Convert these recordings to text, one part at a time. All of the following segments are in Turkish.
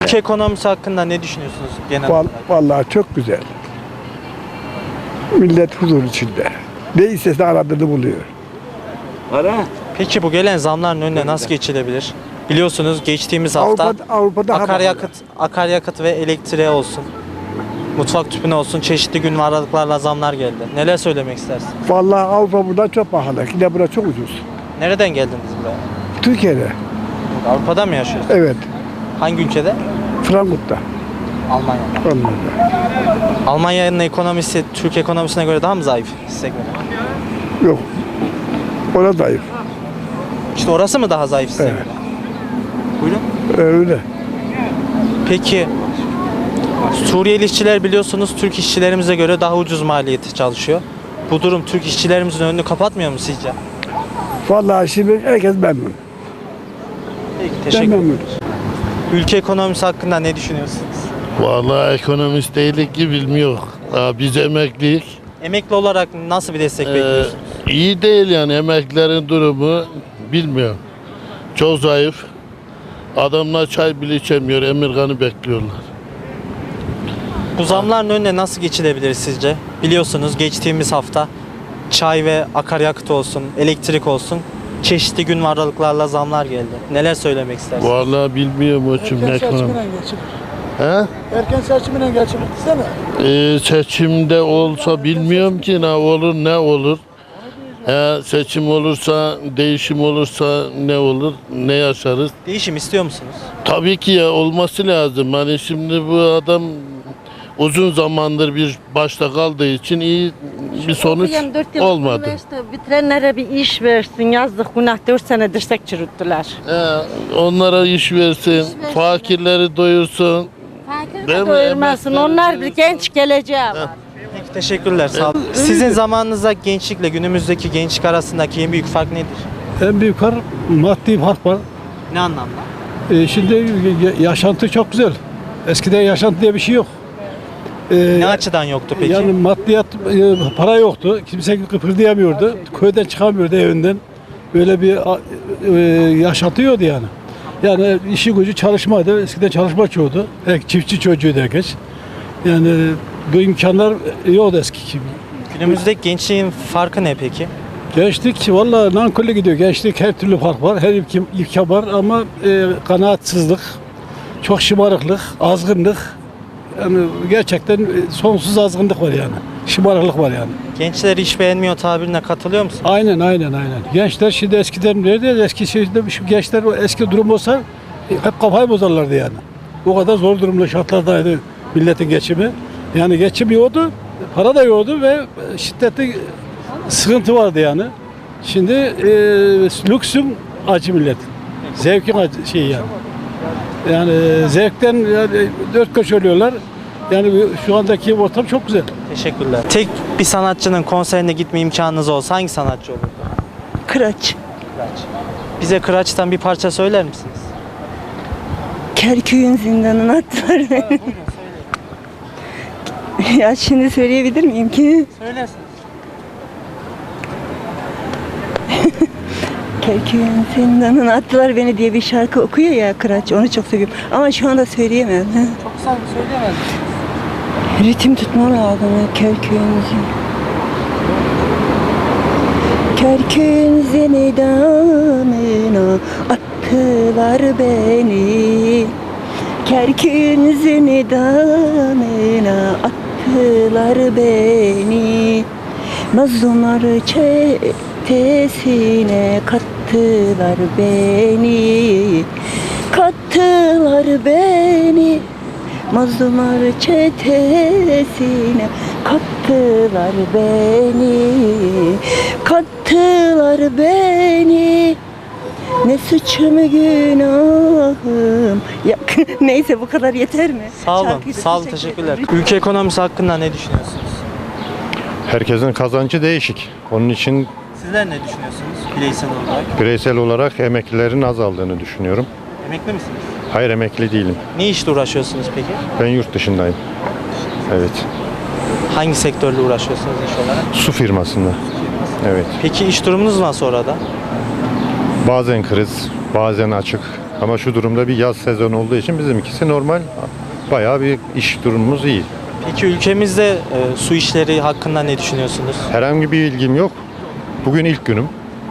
Ülke ekonomisi hakkında ne düşünüyorsunuz genel olarak? Vallahi çok güzel. Millet huzur içinde. Ne istese aradığını buluyor. Peki bu gelen zamların önüne nasıl geçilebilir? Biliyorsunuz geçtiğimiz hafta Avrupa'da akaryakıt ve elektriğe olsun, mutfak tüpüne olsun çeşitli gün ve aralıklarla zamlar geldi. Neler söylemek istersin? Vallahi Avrupa buradan çok pahalı. Yine burada çok ucuz. Nereden geldiniz buraya? Türkiye'de. Avrupa'da mı yaşıyorsunuz? Evet. Hangi ülkede? Frankfurt'ta. Almanya'da. Almanya'nın ekonomisi Türk ekonomisine göre daha mı zayıf size göre? Yok. Ona zayıf. İşte orası mı daha zayıf size Evet. göre? Buyurun. Öyle. Peki Suriyeli işçiler biliyorsunuz Türk işçilerimize göre daha ucuz maliyeti çalışıyor. Bu durum Türk işçilerimizin önünü kapatmıyor mu sizce? Vallahi şimdi herkes memnun. Peki, Ben teşekkür ederim. memnunum. Ülke ekonomisi hakkında ne düşünüyorsunuz? Vallahi ekonomist değilik ki bilmiyor. Biz emekliyiz. Emekli olarak nasıl bir destek bekliyorsunuz? İyi değil yani emeklilerin durumu bilmiyor. Çok zayıf. Adamlar çay bile içemiyor. Emirgan'ı bekliyorlar. Bu zamların önüne nasıl geçilebilir sizce? Biliyorsunuz geçtiğimiz hafta çay ve akaryakıt olsun, elektrik olsun çeşitli gün ve aralıklarla zamlar geldi. Neler söylemek istersiniz? Vallahi bilmiyorum o için ekonomi. He? Erken seçimine geçip gitsene. Seçimde olsa bilmiyorum ki ne olur ne olur. Seçim olursa, değişim olursa ne olur, ne yaşarız? Değişim istiyor musunuz? Tabii ki ya olması lazım. Hani şimdi bu adam uzun zamandır bir başta kaldığı için iyi bir sonuç Yani 4 yıl olmadı. üniversite bitirenlere bir iş versin. Yazdık günah 4 sene dirsek çürüttüler. Onlara iş versin, fakirleri doyursun. Fakir Değil de mi? doyurmasın. Emekleri Onlar bir doyursun. genç geleceği var. Peki teşekkürler. Sağ olun. Sizin zamanınızda gençlikle günümüzdeki gençlik arasındaki en büyük fark nedir? En büyük fark maddi fark var. Ne anlamda? Şimdi yaşantı çok güzel. Eskiden yaşantı diye bir şey yok. Ne açıdan yoktu peki? Yani maddiyat, para yoktu. Kimse kıpırdayamıyordu. Köyden çıkamıyordu evinden. Böyle bir yaşantı yoktu yani. Yani işi gücü çalışmaydı. Eskiden çalışma çoğudu. Çiftçi çocuğuydu herkes. Yani bu imkanlar yoktu eski gibi. Günümüzdeki gençliğin farkı ne peki? Gençlik valla nankörle gidiyor. Gençlik her türlü fark var. Her imkan var ama kanaatsizlik, çok şımarıklık, azgınlık. Yani gerçekten sonsuz azgınlık var yani. Şımarıklık var yani. Gençler iş beğenmiyor tabirine katılıyor musun? Aynen. Gençler şimdi eskiden nerede? Eski şeyde şu gençler o eski durum olsa hep kafayı bozarlardı yani. O kadar zor durumda şartlardaydı milletin geçimi. Yani geçim yoktu, para da yoktu ve şiddetli sıkıntı vardı yani. Şimdi lüksün acı millet. Zevkin acı şey yani. Yani zevkten yani dört köşe ölüyorlar. Yani şu andaki ortam çok güzel. Teşekkürler. Tek bir sanatçının konserine gitme imkanınız olsa hangi sanatçı olurdu? Kıraç. Kıraç. Bize Kıraç'tan bir parça söyler misiniz? Kerkük'ün zindanına attılar beni. Ya şimdi söyleyebilir miyim ki? Söylersiniz. Kerkük'ün zindanına attılar beni diye bir şarkı okuyor ya Kıraç. Onu çok seviyorum. Ama şu anda söyleyemem. Çok sağ söyleyemez. Ritim tutma lazım. Kerkük'ün zindanına attılar beni. Kerkük'ün zindanına attılar beni. Mazlumlar çetesine kattılar beni. Kattılar beni. Mazlumlar çetesine kattılar beni. Kattılar beni. Ne suçum günahım. Ya, neyse bu kadar yeter mi? Sağ olun. Şarkıyı da Sağ olun. Teşekkürler. Ülke ekonomisi hakkında ne düşünüyorsunuz? Herkesin kazancı değişik. Onun için Sizler ne düşünüyorsunuz bireysel olarak? bireysel olarak emeklilerin azaldığını düşünüyorum. Emekli misiniz? Hayır, emekli değilim. Ne işle uğraşıyorsunuz peki? Ben yurt dışındayım. Evet. Hangi sektörle uğraşıyorsunuz iş olarak? Su firmasında. Evet. Peki iş durumunuz nasıl orada? Bazen kriz, bazen açık. Ama şu durumda bir yaz sezonu olduğu için bizimkisi normal. Bayağı bir iş durumumuz iyi. Peki ülkemizde su işleri hakkında ne düşünüyorsunuz? Herhangi bir ilgim yok. Bugün ilk günüm.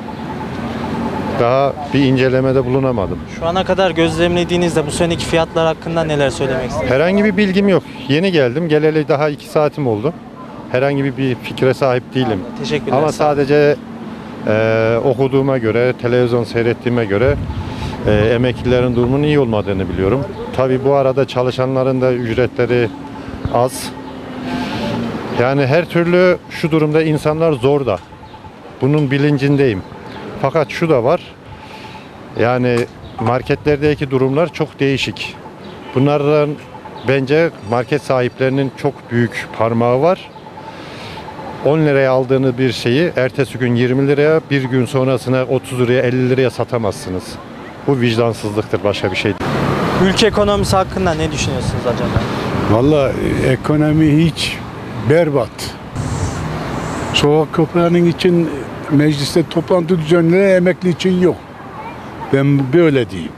Daha bir incelemede bulunamadım. Şu ana kadar gözlemlediğinizde bu seneki fiyatlar hakkında neler söylemek istersiniz? Herhangi bir bilgim yok. Yeni geldim. Geleli daha 2 saatim oldu. Herhangi bir fikre sahip değilim. Teşekkürler. Ama sağ olun. sadece okuduğuma göre, televizyon seyrettiğime göre emeklilerin durumunun iyi olmadığını biliyorum. Tabii bu arada çalışanların da ücretleri az. Yani her türlü şu durumda insanlar zor da. Bunun bilincindeyim. Fakat şu da var. Yani marketlerdeki durumlar çok değişik. Bunlardan bence market sahiplerinin çok büyük parmağı var. 10 liraya aldığınız bir şeyi ertesi gün 20 liraya, bir gün sonrasına 30 liraya, 50 liraya satamazsınız. Bu vicdansızlıktır, başka bir şey değil. Ülke ekonomisi hakkında ne düşünüyorsunuz acaba? Vallahi ekonomi hiç berbat. Sokak köpeğinin için mecliste toplantı düzenleri emekli için yok. Ben böyle diyeyim.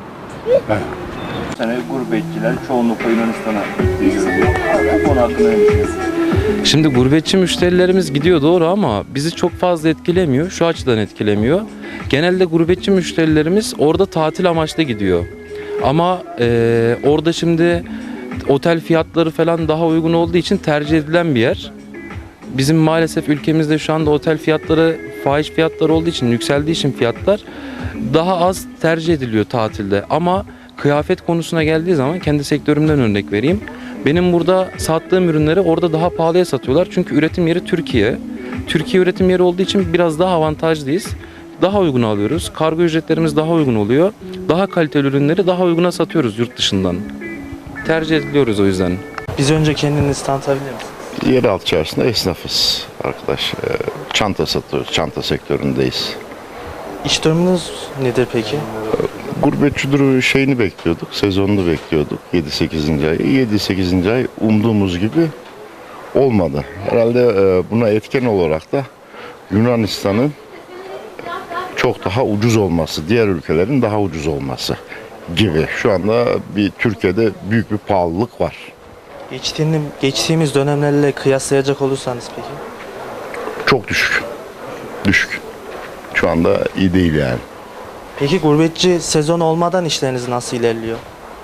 sene gurbetçiler çoğunlukla Yunanistan'a gidiyor. Bu konu hakkında ne düşünüyorsunuz? Şimdi gurbetçi müşterilerimiz gidiyor doğru ama bizi çok fazla etkilemiyor. Şu açıdan etkilemiyor. Genelde gurbetçi müşterilerimiz orada tatil amaçlı gidiyor. Ama orada şimdi otel fiyatları falan daha uygun olduğu için tercih edilen bir yer. Bizim maalesef ülkemizde şu anda otel fiyatları fahiş fiyatlar olduğu için, yükseldiği için fiyatlar daha az tercih ediliyor tatilde. Ama kıyafet konusuna geldiği zaman kendi sektörümden örnek vereyim. Benim burada sattığım ürünleri orada daha pahalıya satıyorlar. Çünkü üretim yeri Türkiye. Türkiye üretim yeri olduğu için biraz daha avantajlıyız. Daha uygun alıyoruz. Kargo ücretlerimiz daha uygun oluyor. Daha kaliteli ürünleri daha uyguna satıyoruz yurt dışından. Tercih ediliyoruz o yüzden. Biz önce kendinizi tanıtabilir misiniz? Yeraltı çarşısında esnafız arkadaş. Çanta satıyoruz. Çanta sektöründeyiz. İş durumunuz nedir peki? Gurbetçi şeyini bekliyorduk. Sezonunu bekliyorduk. 7-8. ay. 7-8. ay umduğumuz gibi olmadı. Herhalde buna etken olarak da Yunanistan'ın çok daha ucuz olması, diğer ülkelerin daha ucuz olması gibi. Şu anda Türkiye'de büyük bir pahalılık var. Geçtiğimiz dönemlerle kıyaslayacak olursanız peki? Çok düşük. Düşük. Şu anda iyi değil yani. Peki gurbetçi sezon olmadan işleriniz nasıl ilerliyor?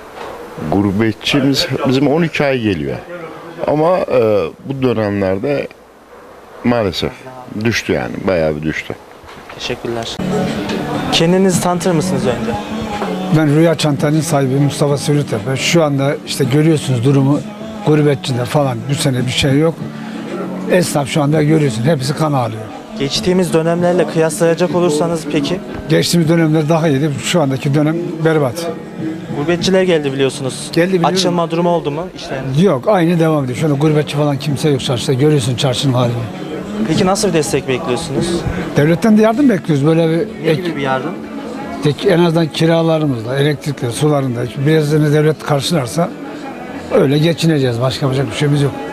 Gurbetçimiz bizim 12 ay geliyor. Ama bu dönemlerde maalesef düştü yani. Bayağı bir düştü. Teşekkürler. Kendinizi tanıtır mısınız önce? Ben Rüya Çanta'nın sahibi Mustafa Sürütepe. Şu anda işte görüyorsunuz durumu gurbetçide falan bu sene bir şey yok. Esnaf şu anda görüyorsun hepsi kan ağlıyor. Geçtiğimiz dönemlerle kıyaslayacak olursanız peki? Geçtiğimiz dönemler daha iyiydi. Şu andaki dönem berbat. Gurbetçiler geldi biliyorsunuz. Geldi biliyorum. Açılma durumu oldu mu işleriniz? Yok aynı devam ediyor. Şu anda gurbetçi falan kimse yok çarşıda. Görüyorsun çarşının halini. Peki nasıl bir destek bekliyorsunuz? Devletten de yardım bekliyoruz. Böyle Ne gibi bir yardım? en azından kiralarımızla, elektrikle, sularında birazını devlet karşılarsa öyle geçineceğiz. Başka yapacak bir şeyimiz yok.